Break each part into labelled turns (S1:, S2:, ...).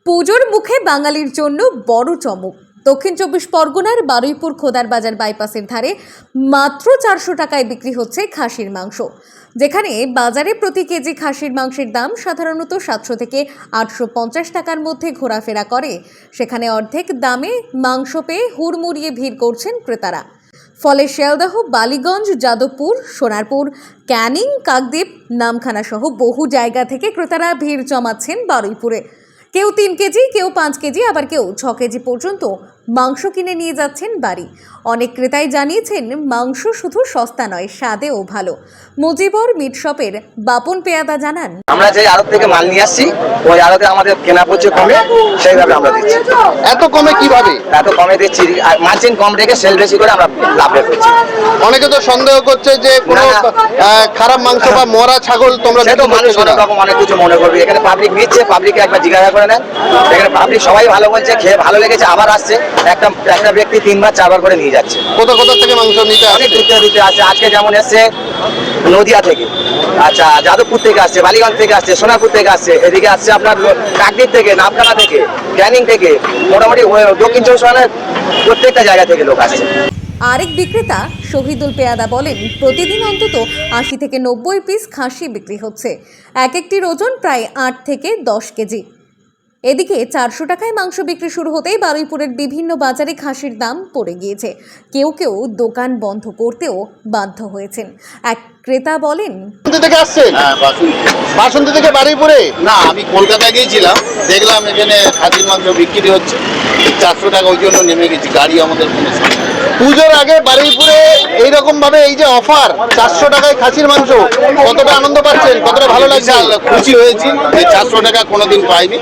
S1: পুজোর মুখে বাঙালির জন্য বড় চমক। দক্ষিণ চব্বিশ পরগনার বারুইপুর খোদার বাজার বাইপাসের ধারে মাত্র 400 টাকায় বিক্রি হচ্ছে খাসির মাংস। যেখানে বাজারে প্রতি কেজি খাসির মাংসের দাম সাধারণত 700 থেকে 850 টাকার মধ্যে ঘোরাফেরা করে, সেখানে অর্ধেক দামে মাংস পেয়ে হুড়মুড়িয়ে ভিড় করছেন ক্রেতারা। ফলে শিয়ালদহ, বালিগঞ্জ, যাদবপুর, সোনারপুর, ক্যানিং, কাকদ্বীপ, নামখানা সহ বহু জায়গা থেকে ক্রেতারা ভিড় জমাচ্ছেন বারুইপুরে। কেউ 3 কেজি, কেউ 5 কেজি, আবার কেউ 6 কেজি পর্যন্ত মাংস কিনে নিয়ে যাচ্ছেন বাড়ি। অনেক ক্রেতাই জানিয়েছেন মাংস শুধু সস্তা নয়, স্বাদেও ভালো। মুজিবর মিট শপের বাপন পেয়াদা জানান,
S2: আমরা যে আড়ত থেকে মাল নিয়ে আসছি ওই আড়তে আমাদের কেনা পড়ছে কমে, সেইভাবে আমরা দিচ্ছি।
S3: এত কমে কিভাবে?
S2: এত কমে দিচ্ছি, মার্জিন কম রেখে সেল বেশি করে আমরা লাভ রেখেছি।
S3: অনেকে তো সন্দেহ করছে যে কোনো খারাপ মাংস বা মরা ছাগল তোমরা
S2: সে তো মানুষ অনেক রকম অনেক কিছু মনে করবে। এখানে পাবলিক নিচ্ছে, পাবলিককে একবার জিজ্ঞাসা করে নেন। এখানে পাবলিক সবাই ভালো বলছে, খেয়ে ভালো লেগেছে, আবার আসছে। একটা ব্যক্তি 3বার 4বার করে নিয়ে যাচ্ছে।
S3: কোথা কোথা থেকে মাংস নিতে
S2: অনেক
S3: আসছে?
S2: দূরে আসছে। আজকে যেমন এসছে নদিয়া থেকে, আচ্ছা যাদবপুর থেকে আসছে, বালিগঞ্জ থেকে আসছে, সোনারপুর থেকে আসছে, এদিকে আসছে আপনার কাকদ্বীপ থেকে, নামখানা থেকে, ক্যানিং থেকে, মোটামুটি দক্ষিণ চব্বিশ পরগনার প্রত্যেকটা জায়গা থেকে লোক আসছে।
S1: আরেক বিক্রেতা শহীদুল পেয়াদা বলেন, প্রতিদিন অন্তত 80 থেকে 90 পিস খাসি বিক্রি হচ্ছে। এক একটির ওজন প্রায় 8 থেকে 10 কেজি। এদিকে 400 টাকায় মাংস বিক্রি শুরু হতেই বারুইপুরের বিভিন্ন বাজারে খাসির দাম পড়ে গিয়েছে। কেউ কেউ দোকান বন্ধ করতেও বাধ্য হয়েছেন। এক ক্রেতা বলেন,
S3: বাসন্তী থেকে আসছেন? বাসন্তী থেকে বারুইপুরে?
S4: না, আমি কলকাতায় গিয়েছিলাম, দেখলাম এখানে খাসির মাংস বিক্রি হচ্ছে 400 টাকা, ওই জন্য নেমে গেছি। গাড়ি আমাদের কোনো সমস্যা নেই।
S3: পুজোর আগে বারুইপুরে এইরকম ভাবে এই যে অফার 400 টাকায় খাসির মাংস, কতটা আনন্দ পাচ্ছেন, কতটা ভালো লাগছে?
S4: বিশাল খুশি হয়েছি যে 400 টাকা কোনোদিন পাইনি।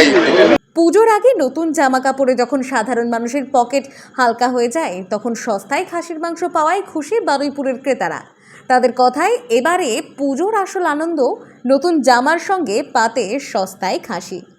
S1: পুজোর আগে নতুন জামা কাপড়ে যখন সাধারণ মানুষের পকেট হালকা হয়ে যায়, তখন সস্তায় খাসির মাংস পাওয়ায় খুশি বারুইপুরের ক্রেতারা। তাদের কথায় এবারে পুজোর আসল আনন্দ নতুন জামার সঙ্গে পাতে সস্তায় খাসি।